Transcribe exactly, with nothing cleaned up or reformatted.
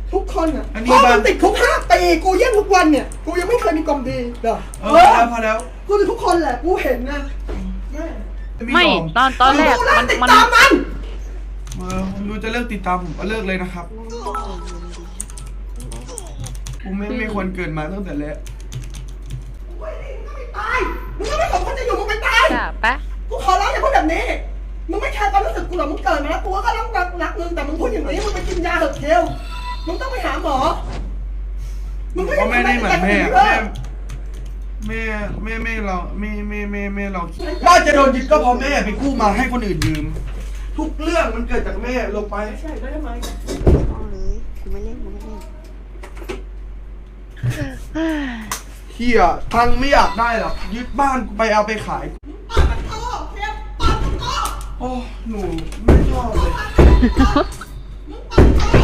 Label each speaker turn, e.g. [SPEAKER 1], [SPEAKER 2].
[SPEAKER 1] ทุกคนอ่ะ
[SPEAKER 2] อันนี้
[SPEAKER 1] พ่อ
[SPEAKER 2] บ้าน
[SPEAKER 1] มันติดคุกห้าปีกูเยี่ยมทุกวันเนี่ยกูยังไม่เคยมีกลมดีเหรอ
[SPEAKER 2] เออพอแล้วพอแล้ว
[SPEAKER 1] กูเป็นทุกคนแหละกูเห็นนะแม่
[SPEAKER 3] ไม่ตอนตอนแรก
[SPEAKER 1] กูเลิ
[SPEAKER 3] มั
[SPEAKER 1] ก
[SPEAKER 3] น
[SPEAKER 1] ติด
[SPEAKER 3] มัน
[SPEAKER 1] ตามมัน
[SPEAKER 2] เออผมดูจะเลิกติดตามผมก็เลิกเลยนะครับผมไม่ไม่ควรเกิดมาตั้งแต่แรก
[SPEAKER 1] มึงก็ไม่ตายมึงก็ไม่สมควรจะอยู่มึงไปตาย
[SPEAKER 3] จ้ะปะ
[SPEAKER 1] กูขอร้องอย่าพูดแบบนี้ มึงไม่แคร์ความรู้สึกกูหรอกมึงเกิดมาแล้วกูก็ต้องรักรักมึงแต่มึงพูดอย่างนี้มึงไปกินยาเถอะเทลมึงต้องไปหาหมอ มึงก็
[SPEAKER 2] ก็
[SPEAKER 1] ยัง
[SPEAKER 2] ไม่ได้เหมือนแม่
[SPEAKER 1] เอ
[SPEAKER 2] แม่
[SPEAKER 1] อ
[SPEAKER 2] แม่แม่แม่เราแม่แม่แม่แม่เราบ้านจะโดนยึดก็เพราะแม่ไปกู้มาให้คนอื่นยืม ทุกเรื่องมันเกิดจากแม่ลงไป
[SPEAKER 1] ใช่ได้ไหม
[SPEAKER 4] เอาเลยกูไม่เล่นกูไม่เล่น
[SPEAKER 2] เฮียทังไม่อยากได้หรอกยึดบ้านกูไปเอาไปขาย
[SPEAKER 1] ปาดมันโตเทลปาดมันโต
[SPEAKER 2] โอ้หนูไม่ชอบเลย
[SPEAKER 1] ปาดมันโต